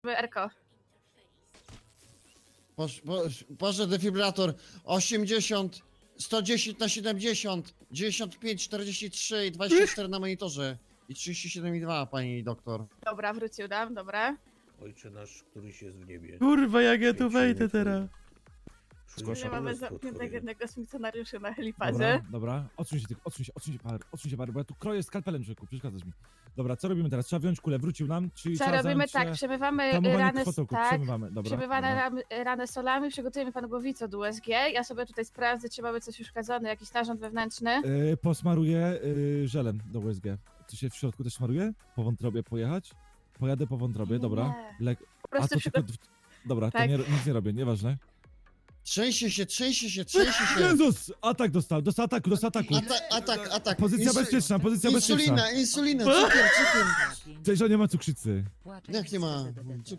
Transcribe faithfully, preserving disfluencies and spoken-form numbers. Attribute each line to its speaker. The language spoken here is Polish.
Speaker 1: Erko.
Speaker 2: Posz, posz, poszedł defibrylator osiemdziesiąt, sto dziesięć na siedemdziesiąt, dziewięćdziesiąt pięć, czterdzieści trzy i dwadzieścia cztery na monitorze. I trzydzieści siedem i dwa, pani doktor.
Speaker 1: Dobra, wrócił nam, dobra.
Speaker 3: Ojcze nasz, któryś jest w niebie.
Speaker 4: Kurwa, jak ja tu
Speaker 3: Niech się
Speaker 4: wejdę
Speaker 3: nie
Speaker 4: teraz.
Speaker 3: Zgłaszam
Speaker 1: Nie mamy
Speaker 3: królestwo
Speaker 1: zamkniętego
Speaker 3: Twoje.
Speaker 1: jednego z funkcjonariuszy na
Speaker 4: Dobra,
Speaker 1: helipadzie.
Speaker 4: dobra. Odsuń się tylko, odsuń się, odsuń się, Power, odsuń się, Power, bo ja tu kroję skalpelem, człowieku, przeszkadzasz mi. Dobra, co robimy teraz? Trzeba wziąć kulę, wrócił nam, czyli
Speaker 1: Co
Speaker 4: trzeba
Speaker 1: robimy?
Speaker 4: zająć
Speaker 1: Tak,
Speaker 4: się
Speaker 1: przemywamy
Speaker 4: tamowaniem
Speaker 1: rany,
Speaker 4: krwotoku,
Speaker 1: tak,
Speaker 4: przemywamy, dobra.
Speaker 1: przemywamy
Speaker 4: dobra.
Speaker 1: ram, ranę solami, przygotujemy pan głowicę od U S G. Ja sobie tutaj sprawdzę, czy mamy coś uszkadzone, jakiś narząd wewnętrzny.
Speaker 4: Yy, posmaruję yy, żelem do U S G. Co się w środku też smaruje? Po wątrobie pojechać? Pojadę po wątrobie, dobra.
Speaker 1: Nie.
Speaker 4: Le...
Speaker 1: Po
Speaker 4: A
Speaker 1: prostu
Speaker 4: to
Speaker 1: przygo...
Speaker 4: tylko... Dobra,
Speaker 1: Tak.
Speaker 4: to nie, nic nie robię, nieważne.
Speaker 2: Trzęsie się, trzęsie się, trzęsie się.
Speaker 4: Jezus! Atak dostał, dostał ataku, dostał ataku.
Speaker 2: Atak, atak, atak.
Speaker 4: Pozycja
Speaker 2: Insu-
Speaker 4: bezpieczna, pozycja bezpieczna.
Speaker 2: Insulina, insulina, cukier, cukier.
Speaker 4: Cześć, że nie ma cukrzycy.
Speaker 2: Jak nie ma?